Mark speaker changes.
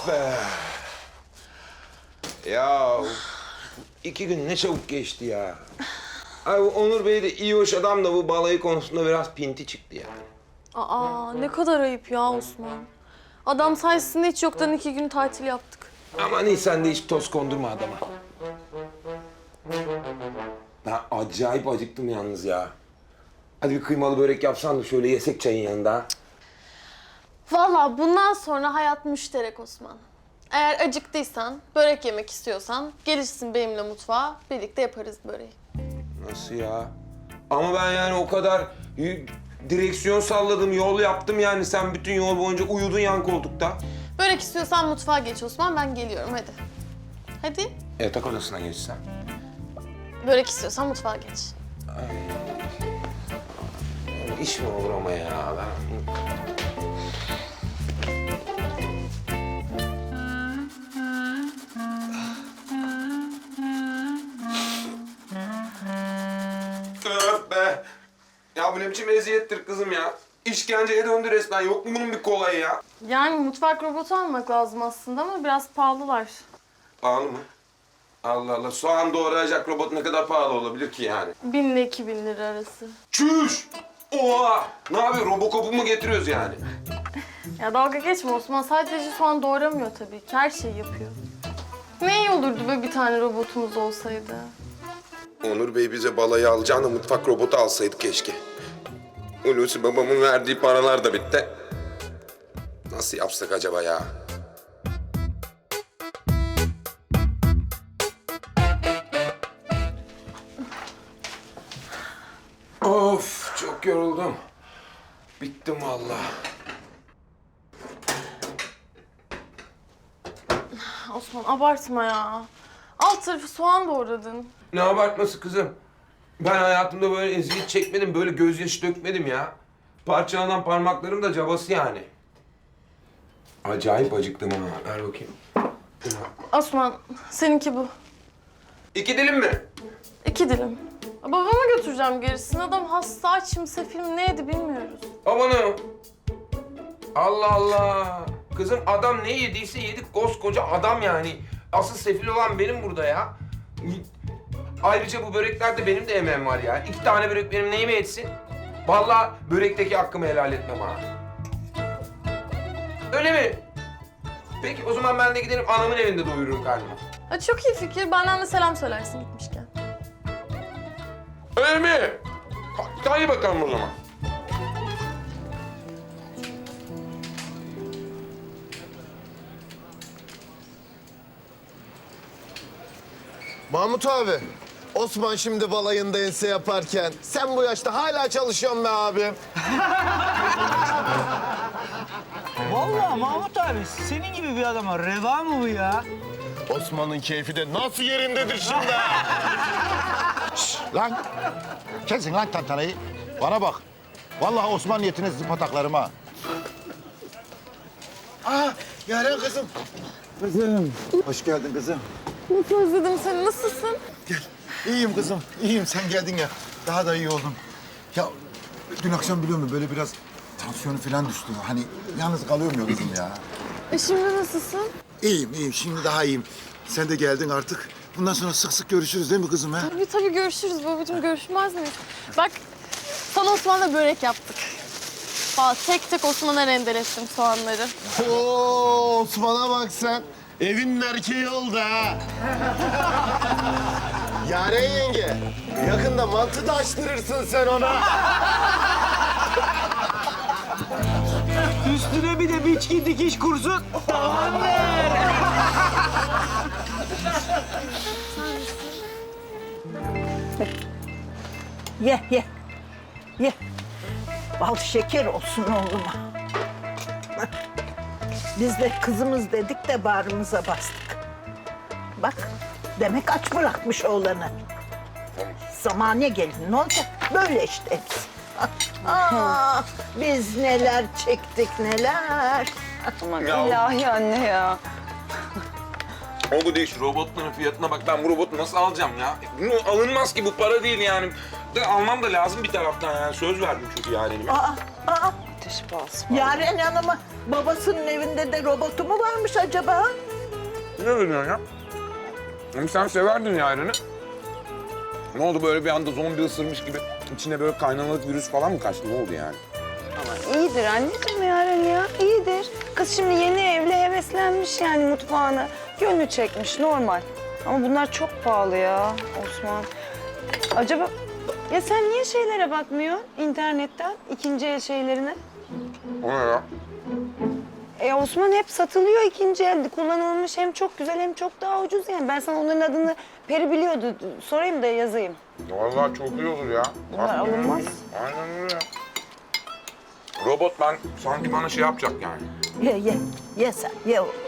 Speaker 1: Of be. Ya 2 gün ne çabuk geçti ya. Ay bu Onur Bey de iyi hoş adam da bu balayı konusunda biraz pinti çıktı yani.
Speaker 2: Aa ne kadar ayıp ya Osman. Adam sayesinde hiç yoktan 2 gün tatil yaptık.
Speaker 1: Aman iyi sen de hiç toz kondurma adama. Ben acayip acıktım yalnız ya. Hadi bir kıymalı börek yapsan da şöyle yesek çayın yanında.
Speaker 2: Vallahi bundan sonra hayat müşterek Osman. Eğer acıktıysan, börek yemek istiyorsan gelirsin benimle mutfağa, birlikte yaparız böreği.
Speaker 1: Nasıl ya? Ama ben yani o kadar direksiyon salladım, yol yaptım yani. Sen bütün yol boyunca uyudun yan koltukta.
Speaker 2: Börek istiyorsan mutfağa geç Osman, ben geliyorum hadi. Hadi.
Speaker 1: Yatak odasına geçsen.
Speaker 2: Börek istiyorsan mutfağa geç.
Speaker 1: İş mi olur ama ya? Ben... Öf be! Ya bu ne biçim eziyettir kızım ya? İşkenceye döndü resmen. Yok mu bunun bir kolayı ya?
Speaker 2: Yani mutfak robotu almak lazım aslında ama biraz pahalılar.
Speaker 1: Pahalı mı? Allah Allah. Soğan doğrayacak robot ne kadar pahalı olabilir ki yani?
Speaker 2: 1000 ile 2000 lira arası.
Speaker 1: Çüş! Oha! Ne yapıyor? Robocop'u mu getiriyoruz yani?
Speaker 2: Ya dalga geçme Osman, sadece soğan doğramıyor tabii ki, her şeyi yapıyor. Ne iyi olurdu böyle bir tane robotumuz olsaydı.
Speaker 1: Onur Bey bize balayı alacağına mutfak robotu alsaydı keşke. Hulusi babamın verdiği paralar da bitti. Nasıl yapsak acaba ya? Of, çok yoruldum. Bittim vallahi.
Speaker 2: Osman abartma ya. Alt tarafı soğan doğradın.
Speaker 1: Ne abartması kızım? Ben hayatımda böyle eziyet çekmedim, böyle gözyaşı dökmedim ya. Parçalanan parmaklarım da cabası yani. Acayip acıktım ha. Ver bakayım.
Speaker 2: Osman, seninki bu.
Speaker 1: 2 dilim mi?
Speaker 2: 2 dilim. Babama götüreceğim gerisini. Adam hasta, açım, sefil ne yedi bilmiyoruz.
Speaker 1: Amanım. Allah Allah. Kızım adam ne yediyse yedik, koskoca adam yani. Asıl sefil olan benim burada ya. Ayrıca bu böreklerde benim de emeğim var ya. 2 tane börek benim neyime yetsin? Vallahi börekteki hakkımı helal etmem ha. Öyle mi? Peki o zaman ben de giderim anamın evinde doyururum karnımı.
Speaker 2: Ha, çok iyi fikir. Benden de selam söylersin gitmişken.
Speaker 1: Öyle mi? Hadi bakalım o zaman.
Speaker 3: Mahmut abi, Osman şimdi balayında ense yaparken sen bu yaşta hala çalışıyorsun be abi.
Speaker 4: Vallahi Mahmut abi senin gibi bir adama reva mı bu ya?
Speaker 3: Osman'ın keyfi de nasıl yerindedir şimdi?
Speaker 5: Şşş, lan! Kesin lan tantanayı. Bana bak. Vallahi Osman niyetine sizin pataklarıma.
Speaker 3: Aa, Yaren kızım. Kızım. Hoş geldin kızım.
Speaker 2: Nasıl özledim seni, nasılsın?
Speaker 3: İyiyim kızım, iyiyim. Sen geldin ya, daha da iyi oldum. Ya dün akşam biliyor musun böyle biraz tansiyonu falan düştü. Hani yalnız kalıyorum ya kızım ya.
Speaker 2: Şimdi nasılsın?
Speaker 3: İyiyim, iyiyim. Şimdi daha iyiyim. Sen de geldin artık. Bundan sonra sık sık görüşürüz değil mi kızım ha?
Speaker 2: Tabii görüşürüz babacığım, görüşmez miyiz? Bak, sana Osman'la börek yaptık. Vallahi tek tek Osman'a rendelettim soğanları.
Speaker 3: Oo, Osman'a bak sen. Evin erkeği oldu ha. Yaren yenge, yakında mantı da açtırırsın sen ona.
Speaker 4: Üstüne bir de biçki dikiş kursun. Tamamdır.
Speaker 6: Ye, ye. Ye. Bal şeker olsun oğluma. Biz de kızımız dedik de bağrımıza bastık. Bak, demek aç bırakmış oğlanı. Zamane gelin, ne olacak? Böyle işte biz. Ah, biz neler çektik, neler.
Speaker 7: Aman ilahi anne ya.
Speaker 1: O bu değil, şu robotların fiyatına bak. Ben bu robotu nasıl alacağım ya? Bu alınmaz ki, bu para değil yani. De almam da lazım bir taraftan yani. Söz verdim çünkü yani.
Speaker 6: Aa,
Speaker 7: Ateş pahası.
Speaker 6: Yaren Hanım'ın babasının evinde de robotu mu varmış acaba?
Speaker 1: Ne diyorsun ya? Hem sen severdin Yaren'i. Ne oldu böyle bir anda zombi ısırmış gibi içine böyle kaynanalık virüs falan mı kaçtı? Ne oldu yani?
Speaker 7: Ama iyidir anneciğim Yaren ya, iyidir. Kız şimdi yeni evli heveslenmiş yani mutfağına. Gönlü çekmiş, normal. Ama bunlar çok pahalı ya Osman. Acaba... Ya sen niye şeylere bakmıyorsun internetten, ikinci el şeylerine?
Speaker 1: O ne ya?
Speaker 7: Osman hep satılıyor ikinci elde. Kullanılmış hem çok güzel hem çok daha ucuz yani. Ben sana onların adını Peri biliyordu. Sorayım da yazayım.
Speaker 1: Vallahi çok iyi olur ya.
Speaker 7: Bunlar alınmaz.
Speaker 1: Aynen öyle. Robot ben sanki bana şey yapacak yani.
Speaker 6: Ye sen ye oğlum.